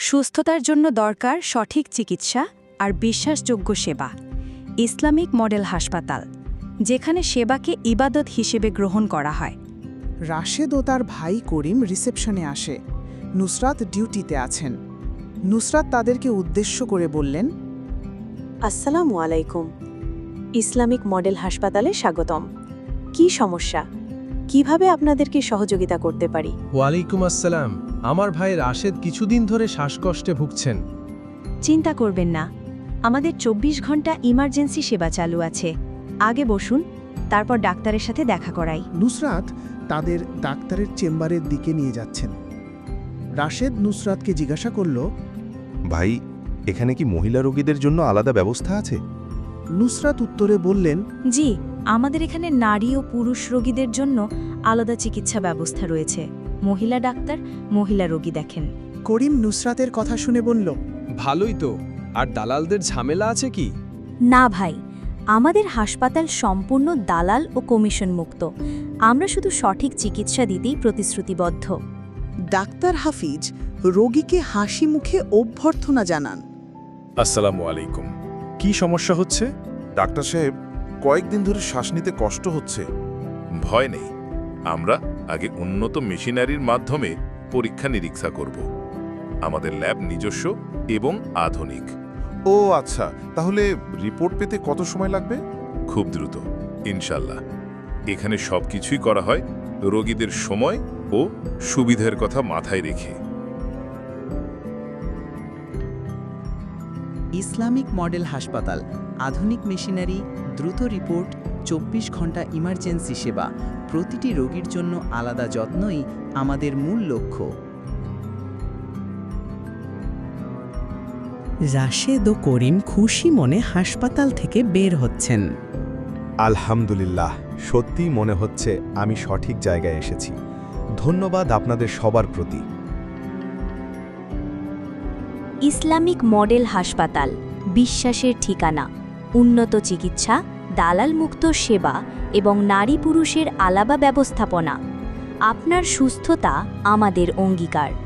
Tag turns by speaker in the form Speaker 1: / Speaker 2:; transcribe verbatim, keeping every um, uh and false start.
Speaker 1: সুস্থতার জন্য দরকার সঠিক চিকিৎসা আর বিশ্বাসযোগ্য সেবা। ইসলামিক মডেল হাসপাতাল, যেখানে সেবাকে ইবাদত হিসেবে গ্রহণ করা হয়।
Speaker 2: রাশেদ ও তার ভাই করিম রিসেপশনে আসে। নুসরাত ডিউটিতে আছেন। নুসরাত তাদেরকে উদ্দেশ্য করে বললেন,
Speaker 3: আসসালামু আলাইকুম। ইসলামিক মডেল হাসপাতালে স্বাগতম। কি সমস্যা? কিভাবে আপনাদেরকে সহযোগিতা করতে পারি?
Speaker 4: ওয়ালাইকুম আসসালাম। আমার ভাই রাশেদ কিছুদিন ধরে শ্বাসকষ্টে ভুগছেন।
Speaker 1: চিন্তা করবেন না, আমাদের চব্বিশ ঘন্টা ইমার্জেন্সি সেবা চালু আছে। আগে বসুন, তারপর ডাক্তারের সাথে দেখা করাই।
Speaker 5: নুসরাত তাদের ডাক্তারের চেম্বারের দিকে নিয়ে যাচ্ছেন। রাশেদ নুসরাতকে জিজ্ঞাসা করল,
Speaker 6: ভাই, এখানে কি মহিলা রোগীদের জন্য আলাদা ব্যবস্থা আছে?
Speaker 5: নুসরাত উত্তরে বললেন,
Speaker 1: জি, আমাদের এখানে নারী ও পুরুষ রোগীদের জন্য আলাদা চিকিৎসা ব্যবস্থা রয়েছে। মহিলা ডাক্তার মহিলা রোগী দেখেন।
Speaker 2: করিম নুসরাতের কথা শুনে বলল,
Speaker 4: ভালোই তো। আর দালালদের ঝামেলা আছে কি?
Speaker 1: না ভাই, আমাদের হাসপাতাল সম্পূর্ণ দালাল ও কমিশন মুক্ত। আমরা শুধু সঠিক চিকিৎসা দিতেই প্রতিশ্রুতিবদ্ধ।
Speaker 2: ডাক্তার হাফিজ রোগীকে হাসি মুখে অভ্যর্থনা জানান।
Speaker 7: আসসালামু আলাইকুম। কি সমস্যা হচ্ছে?
Speaker 6: ডাক্তার সাহেব, কয়েকদিন ধরে শ্বাস নিতে কষ্ট হচ্ছে।
Speaker 7: ভয় নেই, আমরা আগে উন্নত মেশিনারির মাধ্যমে পরীক্ষা নিরীক্ষা করব। আমাদের ল্যাব নিজস্ব এবং আধুনিক।
Speaker 6: ও আচ্ছা, তাহলে রিপোর্ট পেতে কত সময় লাগবে?
Speaker 7: খুব দ্রুত, ইনশাল্লাহ। এখানে সবকিছুই করা হয় রোগীদের সময় ও সুবিধার কথা মাথায় রেখে।
Speaker 2: ইসলামিক মডেল হাসপাতাল, আধুনিক মেশিনারি, দ্রুত রিপোর্ট, চব্বিশ ঘন্টা ইমার্জেন্সি সেবা, প্রতিটি রোগীর জন্য আলাদা যত্নই আমাদের মূল লক্ষ্য। রাশেদ ও করিম খুশি মনে হাসপাতাল থেকে বের হচ্ছেন।
Speaker 6: আলহামদুলিল্লাহ, সত্যিই মনে হচ্ছে আমি সঠিক জায়গায় এসেছি। ধন্যবাদ আপনাদের সবার প্রতি।
Speaker 1: ইসলামিক মডেল হাসপাতাল, বিশ্বাসের ঠিকানা। উন্নত চিকিৎসা, দালালমুক্ত সেবা এবং নারী পুরুষের আলাদা ব্যবস্থাপনা। আপনার সুস্থতা আমাদের অঙ্গীকার।